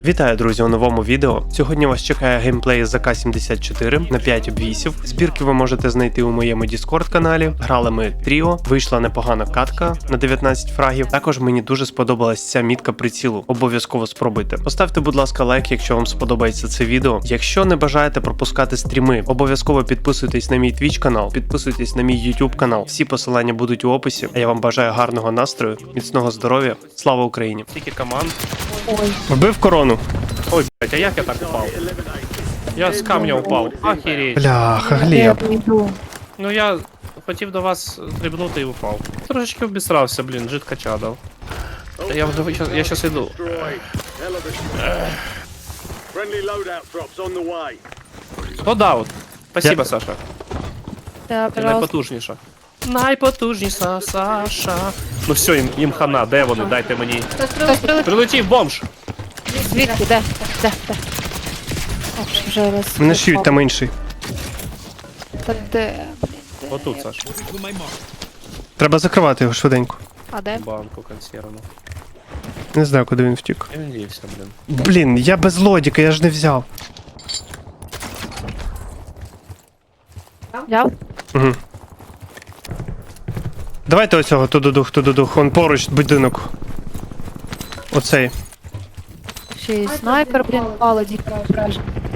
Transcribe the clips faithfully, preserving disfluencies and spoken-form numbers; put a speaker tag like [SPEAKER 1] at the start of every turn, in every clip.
[SPEAKER 1] Вітаю, друзі, у новому відео. Сьогодні вас чекає геймплей з А К сімдесят чотири на п'ять обвісів. Збірки ви можете знайти у моєму Discord каналі. Грали ми тріо, вийшла непогана катка на дев'ятнадцять фрагів. Також мені дуже сподобалась ця мітка прицілу. Обов'язково спробуйте. Поставте, будь ласка, лайк, якщо вам сподобається це відео. Якщо не бажаєте пропускати стріми, обов'язково підписуйтесь на мій Twitch канал, підписуйтесь на мій YouTube канал. Всі посилання будуть у описі. А я вам бажаю гарного настрою, міцного здоров'я. Слава Україні!
[SPEAKER 2] Скільки команд.
[SPEAKER 3] Ой,
[SPEAKER 1] Вбив корону.
[SPEAKER 2] Ой, блядь, а як я так упав? Я з камня упав. Охереть.
[SPEAKER 1] Бляха,
[SPEAKER 3] я
[SPEAKER 1] Глеб.
[SPEAKER 3] прийду.
[SPEAKER 2] Ну я хотів до вас стрибнути і упав. Трошечки обісрався, блін, жидка чадав. Та я, я, я щас іду. Лодаут. Спасибо,
[SPEAKER 1] Я-
[SPEAKER 2] Саша.
[SPEAKER 3] Да,
[SPEAKER 2] Ти
[SPEAKER 3] пожалуйста.
[SPEAKER 2] найпотужніша. Найпотужніша Саша. Ну все, їм, їм хана, де вони? Дайте мені.
[SPEAKER 3] Хтось прилетів.
[SPEAKER 2] Прилетів бомж.
[SPEAKER 3] Звідки? Де? Де? Де? Ох, вже раз.
[SPEAKER 1] Мене шиють там інший.
[SPEAKER 3] Та де? Блін, де?
[SPEAKER 2] Отут, Саша.
[SPEAKER 1] Треба закривати його швиденько.
[SPEAKER 3] А де?
[SPEAKER 2] Банку консервну.
[SPEAKER 1] Не знаю, куди він втік.
[SPEAKER 2] Я він дівся, блін.
[SPEAKER 1] Блін, я без лодіка, я ж не взяв.
[SPEAKER 3] Взяв?
[SPEAKER 1] Угу. Давайте оцього, тудудух, тудудух, он поруч будинок. Оцей.
[SPEAKER 3] Ще й снайпер, блін, пало діка вража.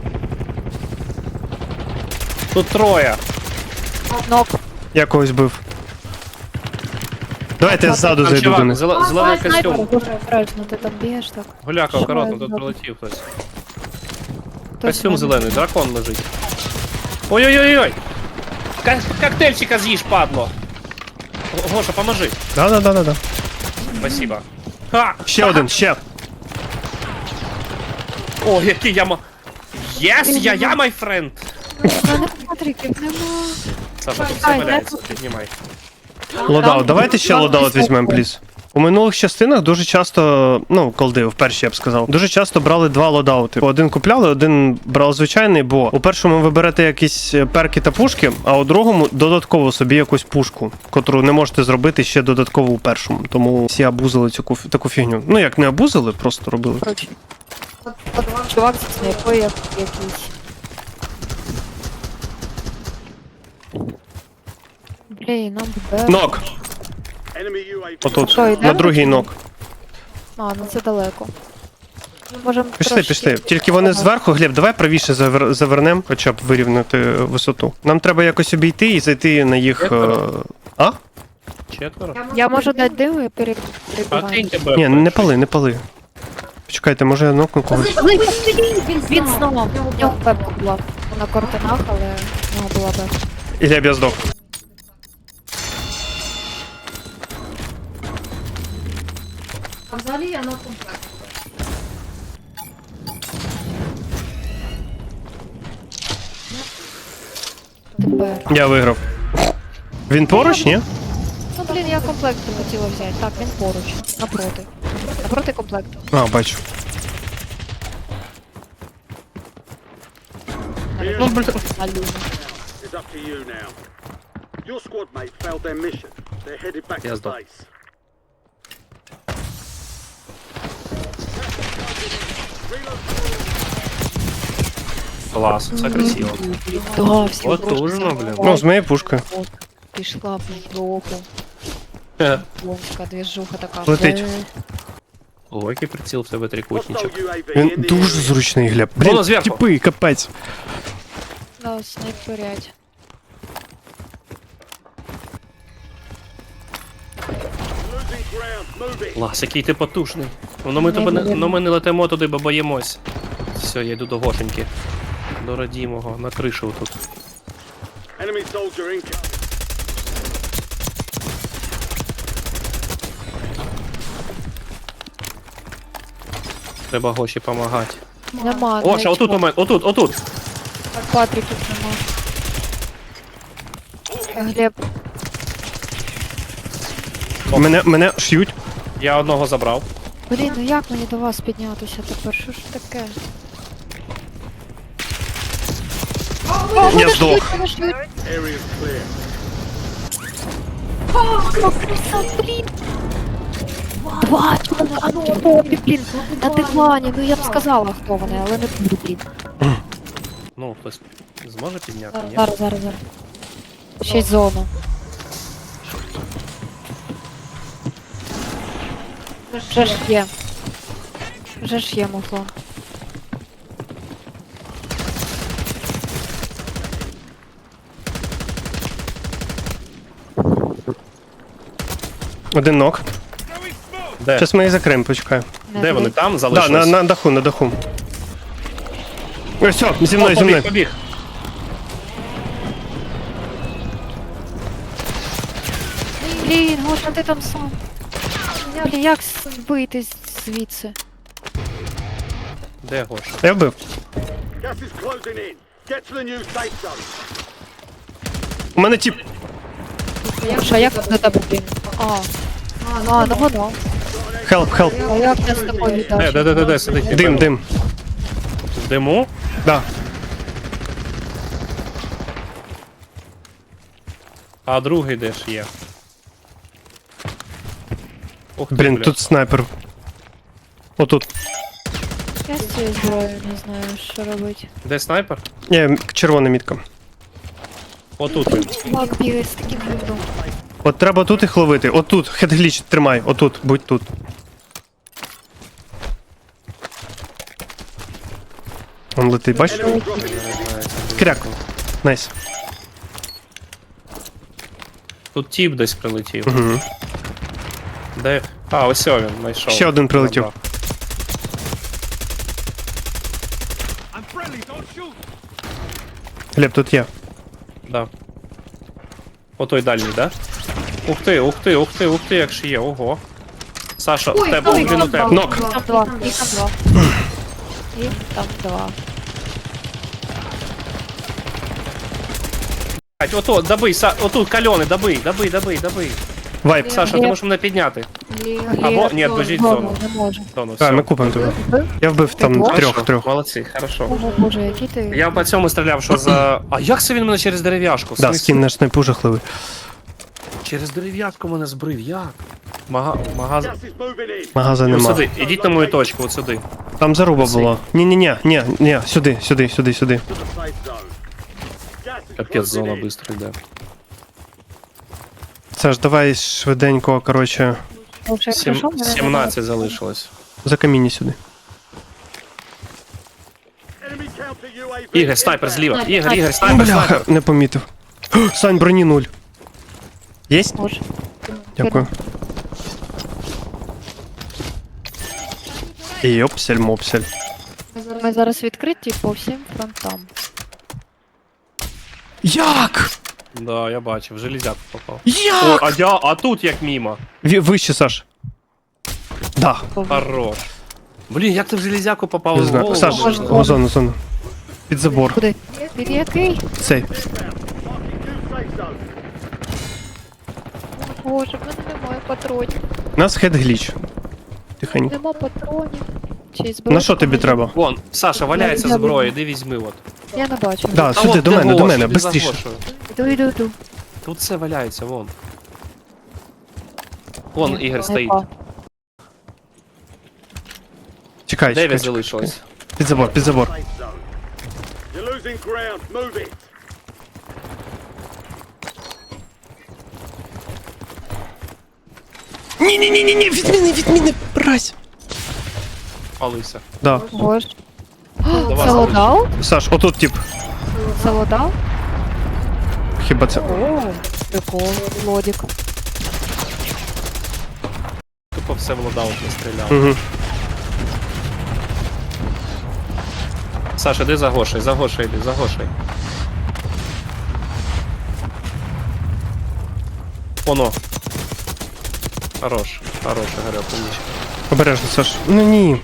[SPEAKER 2] Тут троє.
[SPEAKER 3] Нок.
[SPEAKER 1] Я когось бив. Давайте я ззаду
[SPEAKER 2] Там
[SPEAKER 1] зайду до
[SPEAKER 2] чувак,
[SPEAKER 1] них.
[SPEAKER 2] зеле- зелений
[SPEAKER 3] Снайпер,
[SPEAKER 2] костюм.
[SPEAKER 3] дуже обережно, ти там б'єш так.
[SPEAKER 2] Гуляка, акуратно, тут
[SPEAKER 3] Що?
[SPEAKER 2] прилетів хтось.
[SPEAKER 3] Хтось
[SPEAKER 2] Костюм
[SPEAKER 3] мене-
[SPEAKER 2] зелений, дракон лежить. Ой-ой-ой-ой! Ка- Коктейльчика з'їж, падло! Го- Гоша, поможи.
[SPEAKER 1] Да-да-да-да.
[SPEAKER 2] Спасибо. Ха!
[SPEAKER 1] Ще один, ще.
[SPEAKER 2] О, який я ма... Єс, я, я, май френд!
[SPEAKER 3] У мене патриків нема.
[SPEAKER 2] Саша, тут
[SPEAKER 3] Ай,
[SPEAKER 2] все валяється,
[SPEAKER 3] дякую.
[SPEAKER 2] піднімай.
[SPEAKER 1] Лодаут. Давайте ще лодаут візьмемо, пліз. У минулих частинах дуже часто, ну, колди, в першій я б сказав, дуже часто брали два лодаути. Один купляли, один брав звичайний, бо у першому ви берете якісь перки та пушки, а у другому додатково собі якусь пушку, котру не можете зробити ще додатково у першому. Тому всі абузили цю куф- таку фігню. Ну як не абузили, просто робили.
[SPEAKER 3] Коротше. От, от чувак зі снайпою як якийсь. Блін, нам бе.
[SPEAKER 1] Нок! Отут,
[SPEAKER 3] Що, йдемо?
[SPEAKER 1] на другий нок.
[SPEAKER 3] А, ну це далеко. Можем
[SPEAKER 1] Пішли,
[SPEAKER 3] трошки-
[SPEAKER 1] пішли. Тільки вони зверху, Глеб, давай правіше завер... завернем, хоча б вирівняти висоту. Нам треба якось обійти і зайти на їх. е, А?
[SPEAKER 2] Четверо.
[SPEAKER 3] Я можу дати диму і пере-
[SPEAKER 2] А ти
[SPEAKER 3] перебігаю.
[SPEAKER 2] тебе.
[SPEAKER 1] Ні, не пали, не пали. Почекайте, може я нокну когось.
[SPEAKER 3] Він знову. В нього пепка була на кортинах, але в нього була пепка.
[SPEAKER 1] І Глеб, я здох.
[SPEAKER 4] А взагалі я на комплект.
[SPEAKER 3] Тепер.
[SPEAKER 1] Я виграв. Він поруч, ні?
[SPEAKER 3] Ну блін, я комплект не хотіла взяти. Так, він поруч. Напроти. Напроти комплекту.
[SPEAKER 1] А, бачу.
[SPEAKER 2] Ну, блін.
[SPEAKER 3] На люзі.
[SPEAKER 5] It's up to you now. Your squad mate failed their mission. They're headed back
[SPEAKER 2] Yes,
[SPEAKER 5] to
[SPEAKER 2] Doc.
[SPEAKER 5] base.
[SPEAKER 2] Клас, все красиво.
[SPEAKER 3] Да, всі
[SPEAKER 2] Потужно,
[SPEAKER 3] просто
[SPEAKER 2] блін.
[SPEAKER 1] Ну, з моєю пушкою.
[SPEAKER 3] От, пішла в жопу.
[SPEAKER 2] Хе.
[SPEAKER 3] Ломка, двіжуха така.
[SPEAKER 1] Летить.
[SPEAKER 3] Е,
[SPEAKER 2] О, який приціл в тебе трикутничок.
[SPEAKER 5] Hostile ю ей ві
[SPEAKER 1] Він
[SPEAKER 5] in the
[SPEAKER 1] дуже
[SPEAKER 5] area.
[SPEAKER 1] зручний, Глеб.
[SPEAKER 2] Воно
[SPEAKER 1] Блін,
[SPEAKER 2] зверху.
[SPEAKER 1] тіпи, капець.
[SPEAKER 3] Да, снайперять.
[SPEAKER 5] Losing ground. Move it.
[SPEAKER 2] Клас, який ти потужний. Ну ми, тебе не, ну, ми не летимо туди, бо боїмось. Все, я йду до Гошеньки. До родімого, на кришу тут.
[SPEAKER 5] Enemy soldier incoming.
[SPEAKER 2] Треба Гоші помагати.
[SPEAKER 3] Нема.
[SPEAKER 2] Гоша, отут у мене, отут, отут.
[SPEAKER 3] Патриків нема. Е, Глеб,
[SPEAKER 1] Мене, мене ш'ють.
[SPEAKER 2] Я одного забрав.
[SPEAKER 3] блін, ну як мені до вас піднятися тепер? Що ж таке?
[SPEAKER 1] Я здох.
[SPEAKER 3] Мене шьють.
[SPEAKER 5] Area's clear.
[SPEAKER 3] О, краса, блін. Два, а ну, хто, блін, на дивані, ну я б сказала, хто вони, але не буду, блін.
[SPEAKER 2] Ну, хтось зможе підняти? Ні?
[SPEAKER 3] Зараз, зараз, зараз. Ще й зона. Вже ж є. Вже ж є муфлон.
[SPEAKER 1] Один ног.
[SPEAKER 2] Де?
[SPEAKER 1] Зараз ми їх закриємо, почекай.
[SPEAKER 3] Не
[SPEAKER 2] Де вони?
[SPEAKER 3] дивись.
[SPEAKER 2] Там
[SPEAKER 1] Да,
[SPEAKER 2] залишились?
[SPEAKER 1] на, на даху, на даху. Ось, все, зі мною,
[SPEAKER 2] О,
[SPEAKER 1] зі мною.
[SPEAKER 2] побіг, побіг.
[SPEAKER 3] Блін, Гоша, ти там сам. Блін, як вийти звідси?
[SPEAKER 2] Де Гоша?
[SPEAKER 1] Я вбив.
[SPEAKER 5] Gas is closing in. Get to the new safe zone.
[SPEAKER 1] У мене тіп.
[SPEAKER 3] Гоша, як до тебе, блін? А, а, ну воно.
[SPEAKER 1] Хелп, хелп.
[SPEAKER 3] А як я з тобою
[SPEAKER 2] Де,
[SPEAKER 3] віддав?
[SPEAKER 2] де, де, де, де сидить?
[SPEAKER 1] Дим, дим.
[SPEAKER 2] В диму?
[SPEAKER 1] Да.
[SPEAKER 2] А другий де ж є? Ух ти,
[SPEAKER 1] Блін,
[SPEAKER 2] бля.
[SPEAKER 1] тут снайпер. Отут.
[SPEAKER 3] Я з цією зброєю не знаю, що робити.
[SPEAKER 2] Де снайпер?
[SPEAKER 1] Ні, червона мітка.
[SPEAKER 2] Отут він.
[SPEAKER 3] Чувак бігає з таким гривном.
[SPEAKER 1] От треба тут їх ловити. Отут. Хедгліч тримай. Отут. Будь тут. Он летить, бачиш?
[SPEAKER 5] Enemy dropping in.
[SPEAKER 1] Кряк. Найс.
[SPEAKER 2] Тут тіп десь прилетів.
[SPEAKER 1] Угу.
[SPEAKER 2] Де? А, ось він знайшов.
[SPEAKER 1] Ще один прилетів.
[SPEAKER 2] Добре.
[SPEAKER 1] Глеб, тут є.
[SPEAKER 2] Да. О той дальній, да? Ух ти, ух ти, ух ти, ух ти, як ще є, ого. Саша, в
[SPEAKER 4] Ой,
[SPEAKER 2] тебе
[SPEAKER 4] ой,
[SPEAKER 2] один у
[SPEAKER 4] там
[SPEAKER 2] тебе.
[SPEAKER 4] два.
[SPEAKER 1] Нок.
[SPEAKER 3] Там два, їх там два. Їх там два.
[SPEAKER 2] Блядь, ото, добий, Са... отут кальони, добий, добий, добий, добий.
[SPEAKER 1] Вайп.
[SPEAKER 2] Саша, ти
[SPEAKER 3] Є.
[SPEAKER 2] можеш мене підняти?
[SPEAKER 4] Блін.
[SPEAKER 2] Або, ні, біжіть в зону.
[SPEAKER 3] Зону, не можу.
[SPEAKER 2] Зону,
[SPEAKER 1] А,
[SPEAKER 2] все.
[SPEAKER 1] ми купимо тебе.
[SPEAKER 3] Вбив?
[SPEAKER 1] Я вбив там
[SPEAKER 3] Ого.
[SPEAKER 1] трьох,
[SPEAKER 2] Хорошо,
[SPEAKER 1] трьох.
[SPEAKER 2] Молодці, хорошо.
[SPEAKER 3] Ого, боже, який ти...
[SPEAKER 2] Я по цьому стріляв, що за... А як це він мене через дерев'яшку? В
[SPEAKER 1] Да,
[SPEAKER 2] смислі?
[SPEAKER 1] скін наш снайпу жахливий.
[SPEAKER 2] Через дерев'яшку мене збрив, як? Мага... Магаз...
[SPEAKER 5] Gas is moving in.
[SPEAKER 1] Магаза
[SPEAKER 2] Ось
[SPEAKER 1] нема.
[SPEAKER 2] сюди, ідіть на мою точку, от сюди.
[SPEAKER 1] Там заруба була. Ні-ні-ні, ні, ні, сюди, сюди, сюди, сюди.
[SPEAKER 5] To the safe zone. Gas is
[SPEAKER 2] Капець,
[SPEAKER 5] closing
[SPEAKER 2] зона
[SPEAKER 5] in.
[SPEAKER 2] швидко йде.
[SPEAKER 1] Саш, давай швиденько, коротше,
[SPEAKER 3] Вовше, як
[SPEAKER 2] Сім...
[SPEAKER 3] прийшов, мене
[SPEAKER 2] сімнадцять залишилось.
[SPEAKER 1] за каміння сюди.
[SPEAKER 5] Enemy counter ю ей ві
[SPEAKER 2] Ігор, снайпер
[SPEAKER 5] inbound.
[SPEAKER 2] зліва. Ігор, Ігор, снайпер,
[SPEAKER 1] Бляха,
[SPEAKER 2] снайпер.
[SPEAKER 1] не помітив. Сань, броні нуль. Єсть?
[SPEAKER 3] Може.
[SPEAKER 1] Дякую. Йопсель, мопсель.
[SPEAKER 3] Ми зараз відкриті по всім фронтам.
[SPEAKER 1] Як?
[SPEAKER 2] Да, я бачив, в железяку попав. О,
[SPEAKER 1] Як?
[SPEAKER 2] а, я... а тут як мімо.
[SPEAKER 1] Ві- Вище, Саш. Да.
[SPEAKER 2] Хорош. Блін, як ти в железяку попав?
[SPEAKER 1] Не
[SPEAKER 2] в
[SPEAKER 1] знаю.
[SPEAKER 2] голову?
[SPEAKER 1] Саш,
[SPEAKER 3] Можна.
[SPEAKER 1] в зону, в зону. Під забор.
[SPEAKER 3] Куди? Під який?
[SPEAKER 1] Цей.
[SPEAKER 5] Marking new safe zone.
[SPEAKER 3] Боже, в мене немає патронів.
[SPEAKER 1] У нас хедгліч. Тихенько.
[SPEAKER 3] Нема патронів. Чи зброї?
[SPEAKER 1] На що тобі треба?
[SPEAKER 2] Вон, Саша, валяється
[SPEAKER 3] Я-
[SPEAKER 2] зброя, іди візьми от.
[SPEAKER 3] Я не бачу.
[SPEAKER 1] Да,
[SPEAKER 2] А
[SPEAKER 1] сюди,
[SPEAKER 2] от
[SPEAKER 1] до
[SPEAKER 2] де
[SPEAKER 1] мене, до
[SPEAKER 2] Гоша,
[SPEAKER 1] мене,
[SPEAKER 2] іди за
[SPEAKER 1] бистріше.
[SPEAKER 2] Гошею.
[SPEAKER 3] Іду, іду, іду.
[SPEAKER 2] Тут все валяється, вон. Вон Ігор стоїть.
[SPEAKER 3] Опа.
[SPEAKER 1] Чекай, чекай,
[SPEAKER 2] Дев'ять
[SPEAKER 1] чекай.
[SPEAKER 2] залишилось.
[SPEAKER 1] Під забор, під забор.
[SPEAKER 5] Safe zone. You're losing ground. Move it.
[SPEAKER 1] Ні-ні-ні-ні, відміни, відміни, брась.
[SPEAKER 2] Палився.
[SPEAKER 1] Да.
[SPEAKER 3] Боже.
[SPEAKER 2] Давай,
[SPEAKER 3] Це лодав?
[SPEAKER 1] Саш, отут тип.
[SPEAKER 3] Це лодав?
[SPEAKER 1] Хіба це?
[SPEAKER 3] О, прикол, лодік.
[SPEAKER 2] Тупо все в лодаут не стріляв.
[SPEAKER 1] Угу.
[SPEAKER 2] Саша, іди за Гошей, за Гошей іди, за Гошей. Оно. Хорош, хорош, Ігоря, поміч.
[SPEAKER 1] Обережно, Саш. Ну ні.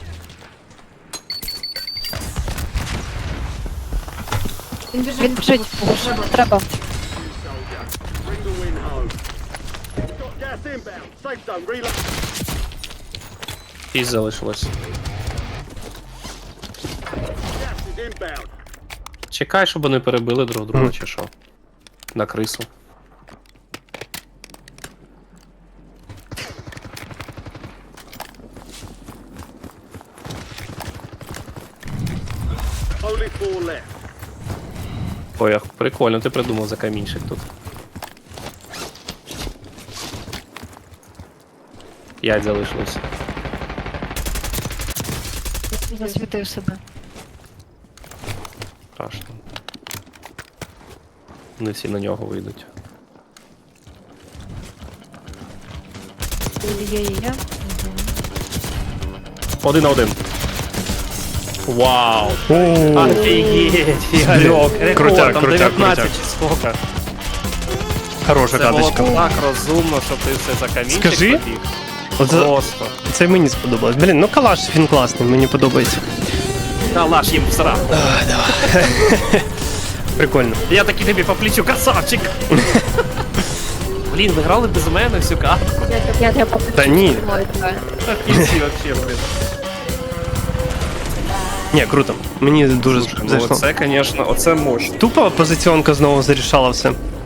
[SPEAKER 4] Він біжить.
[SPEAKER 3] Він біжить. Боже, не треба.
[SPEAKER 5] Soldier. Bring the win home. Got gas inbound. Safe zone. Reload.
[SPEAKER 2] Шість залишилось.
[SPEAKER 5] Gas is inbound.
[SPEAKER 2] Чекай, щоб вони перебили друг друга,
[SPEAKER 1] Мгм.
[SPEAKER 2] чи що. На крису.
[SPEAKER 5] Only four left.
[SPEAKER 2] Ой, ах, прикольно, ти придумав за камінчик тут. П'ять залишилось.
[SPEAKER 3] Засвітив себе.
[SPEAKER 2] Страшно. Не всі на нього вийдуть.
[SPEAKER 3] Є, є, є.
[SPEAKER 2] Один на один. Вау! Офігеть! Ігорьок! Рекорд,
[SPEAKER 1] Крутяк,
[SPEAKER 2] там
[SPEAKER 1] крутяк,
[SPEAKER 2] дев'ятнадцять
[SPEAKER 1] крутяк.
[SPEAKER 2] чи сколько?
[SPEAKER 1] Хороша
[SPEAKER 2] Це було
[SPEAKER 1] каточка.
[SPEAKER 2] так розумно, що ти все за камінчик
[SPEAKER 1] Скажи.
[SPEAKER 2] побіг.
[SPEAKER 1] Оце-
[SPEAKER 2] Просто.
[SPEAKER 1] Це мені сподобалось. Блін, ну калаш він класний, мені подобається.
[SPEAKER 2] Та лаш їм в сраку.
[SPEAKER 1] Прикольно.
[SPEAKER 2] Я такий тобі по плечу, красавчик! Блін, ви грали без мене всю картку.
[SPEAKER 3] Я тебе
[SPEAKER 1] Та ні.
[SPEAKER 2] В кінці вообще, блін.
[SPEAKER 1] Ні, круто. Мені дуже
[SPEAKER 2] Ну
[SPEAKER 1] зайшло.
[SPEAKER 2] оце, звісно, оце мощно.
[SPEAKER 1] Тупо позиціонка знову зарішала все.